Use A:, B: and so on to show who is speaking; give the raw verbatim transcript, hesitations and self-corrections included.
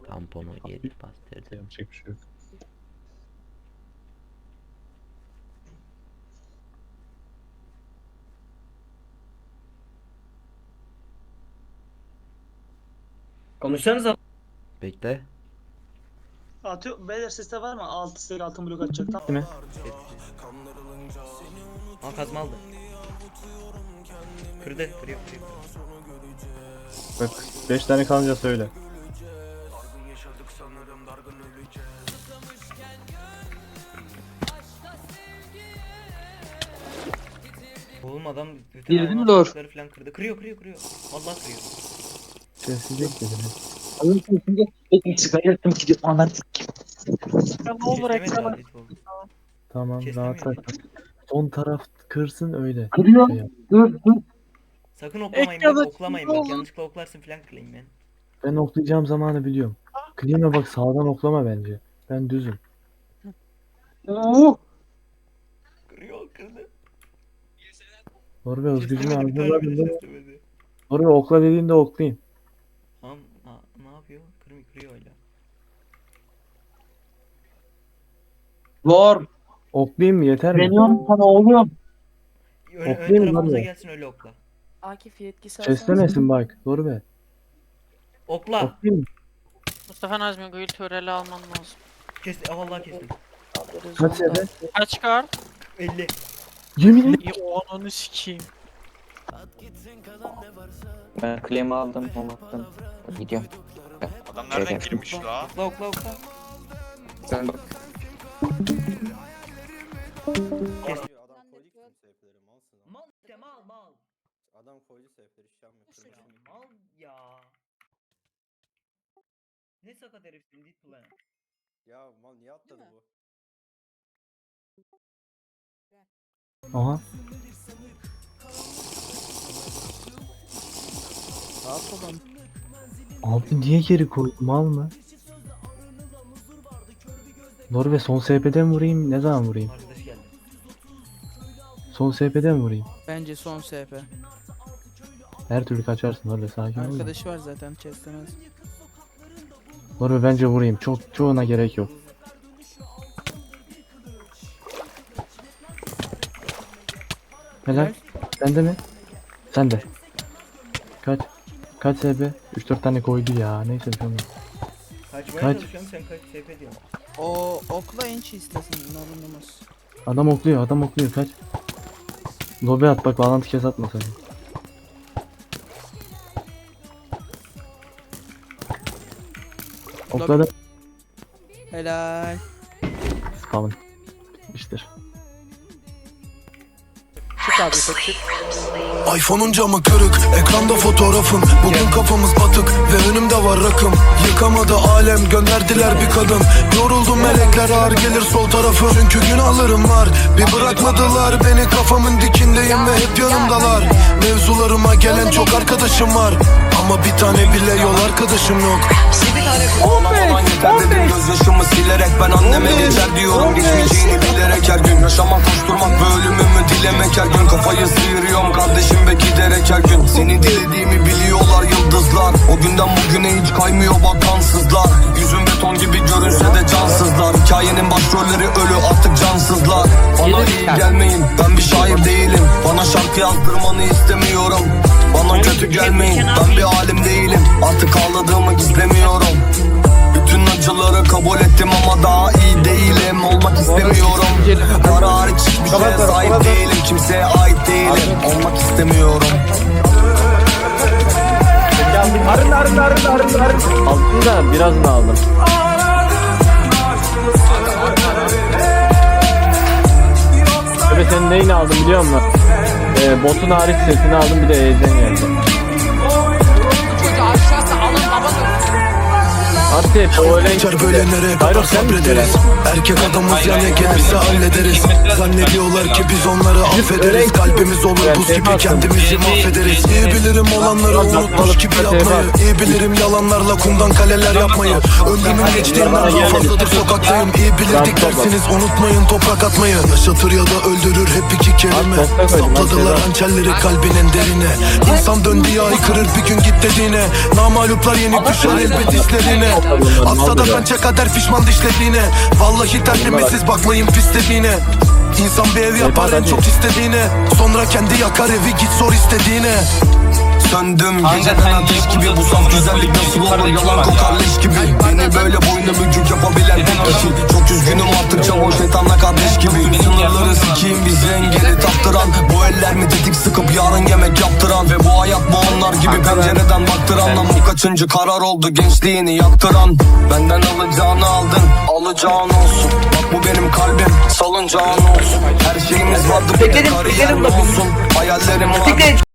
A: Tamponu yedi bastırdı.
B: Yapacak bir şey yok.
C: Konuşsanıza.
A: Bekle.
D: Atıyor. Beyler seste var mı? Altı stek altın blok atacak. Tamam.
B: Değil mi?
C: Aa kazma aldı. Kırdı, kırıyor, kırıyor.
B: Bak beş tane kalınca söyle.
C: Oğlum adam bütün
E: Girdin mi
C: hayvan
E: Lord?
C: hastalıkları falan kırdı. Kırıyor, kırıyor, kırıyor. Vallahi kırıyor.
B: Sessizlik dedim.
E: Alın şimdi ekmek çıkarttım gidiyor anam.
D: Ne olur
C: Kestemedi
D: ekran.
C: adet oldu.
B: Tamam
C: Kesemiyor.
B: rahat bak. Son taraf kırsın öyle.
E: Kırıyor.
B: Şey yap.
E: Dur dur.
C: Sakın oklamayın
D: Ekranı
C: bak, oklamayın bak.
D: oğlum.
C: Yanlışlıkla oklarsın falan kırayım ben.
B: Ben oklayacağım zamanı biliyorum. Klima bak sağdan oklama bence. Ben düzüm.
E: Oo.
C: Kırıyor, kırdı.
B: Doğru ve özgücümü
C: Kestemedi, bir tane bile
B: algıladım.
C: kestemedi.
B: Doğru ve okla dediğinde oklayayım.
C: Tamam, ha, ne yapıyor? Kırmıyor, kırıyor hala.
E: Var.
B: Oklayayım mı yeter mi?
E: Deniyorum sana oğlum.
C: Ön, ön
B: Oklayayım mı
C: tarafımıza
B: lan
C: gelsin öyle okla.
F: Akif yetkisi alsanız.
B: Seslemesin bak. Doğru be.
C: Okla.
B: Oklayayım mı?
G: Mustafa Nazmi Gül töreli alman lazım.
C: Kes, aa, vallahi kestim.
B: Kaç sene?
G: Kaç kar?
C: elli.
B: Yemin et.
G: İyi o ananı sikeyim.
H: Ben claim aldım, onu attım. Gidiyorum.
I: Adam nereden
H: Evet.
I: girmiş la?
C: Okla, okla, okla.
H: Sen bak.
C: Kes.
J: Adam koydu ki tüm seyfleri malsın ama.
C: Mal işte, mal, mal.
J: Adam koydu seyfleri hiç yapmıyor. Kırmızı mı?
C: Mal ya. Ne sakat herifsin dit plan.
J: Ya mal niye atladı bu?
B: Aha. Abi niye geri koydun mal mı? Doğru ve son S P'den vurayım ne zaman vurayım?
C: Arkadaş geldi.
B: Son S P'den vurayım.
F: Bence son S P.
B: Her türlü kaçarsın orada sakin ol. da.
F: Arkadaşı var zaten chest'lemez.
B: Doğru bence vurayım. Çok çoğuna gerek yok. Helal. Sende mi? Sende. Kaç? Kaç S P? üç dört tane koydu ya. Neyse bir şey olmaz.
C: Kaçmaya
B: Kaç?
C: çalışıyorum, sen kaç S P diyorsun.
F: O okla enç istesin norunumuz.
B: Adam okluyor, adam okluyor. Kaç? Lobe at bak bağlantı kes atma sen. Okladı.
F: Helal.
B: Spawn. Bitmiştir.
F: Çık abi çık çık.
K: iPhone'un camı kırık, ekranda fotoğrafın. Bugün kafamız batık ve önümde var rakım. Yıkamadı alem, gönderdiler bir kadın. Yoruldum melekler ağır gelir sol tarafı. Çünkü günahlarım var, bir bırakmadılar beni. Kafamın dikindeyim ve hep yanımdalar. Mevzularıma gelen çok arkadaşım var, ama bir tane bile yol arkadaşım yok.
D: on beş, on beş.
K: Gözyaşımı silerek ben anneme geçer diyorum. Geçmeyeceğini bilerek her gün yaşamak, koşturmak ve ölümümü dilemek her gün. Kafayı sıyırıyorum kardeşim ve giderek her gün. Seni dilediğimi biliyorlar yıldızlar. O günden bugüne hiç kaymıyor bak kansızlar. Yüzüm beton gibi görünse de cansızlar. Hikayenin başrolleri ölü artık cansızlar. Bana iyi gelmeyin, ben bir şair değilim. Bana şarkı yazdırmanı istemiyorum. Bana kötü gelmeyin, ben bir alim değilim. Artık ağladığımı gizlemiyorum. Bütün acıları kabul ettim ama daha iyi değilim. Olmak istemiyorum. Para hariç hiçbir şeye sahip değilim. Kimseye ait değilim. Olmak istemiyorum.
B: Arın arın arın arın arın. Aldın da biraz mı aldım? Tabii senin neyini aldım biliyor musun? Ee, botun hariç sesini aldım bir de E'den geldi.
G: Çocuğu aşağısı alın babadır.
B: Asya o öyle
K: Geçer böyle nereye kadar sabrederiz. Erkek adamız ya ne gelirse hallederiz. Zannediyorlar ki biz onları affederiz. Kalbimiz olur buz gibi kendimizi mahvederiz. İyi bilirim olanları unutmuş gibi yapmayı. İyi bilirim yalanlarla kumdan kaleler yapmayı. Ömrümün geçtiğinden daha fazladır sokaktayım. İyi bilirdik dersiniz unutmayın toprak atmayı. Yaşatır ya da öldürür hep iki kelime. Sapladılar hançerleri kalbinin derine. İnsan döndüğü ay kırır bir gün git dediğine. Namaluplar yenik düşer elbet hislerine. Atsa da bence kader pişman dişlediğine. Vallahi terlimisiz bakmayın pis dediğine. İnsan bir ev yapar en çok istediğine. Sonra kendi yakar evi git sor istediğine. Söndüm geceden ateş gibi. Bu saf güzellik nasıl olur yalan kokar leş gibi. Beni böyle boynu bükük yapabilen tek kişi. Çok üzgünüm artık çavuş şeytanla kardeş gibi. Sınırları sikiyim bizi engeli taptıran. Bu eller mi dedik sıkıp yarın yemek yaptıran. Ve bu hayat bu onlar gibi pencereden baktıran. Lan bu kaçıncı karar oldu gençliğini yaktıran. Benden alacağını aldın alacağın olsun. Bak bu benim kalbim salıncağın olsun. Her şeyimiz vardı bir de kariyer olsun. Hayallerim var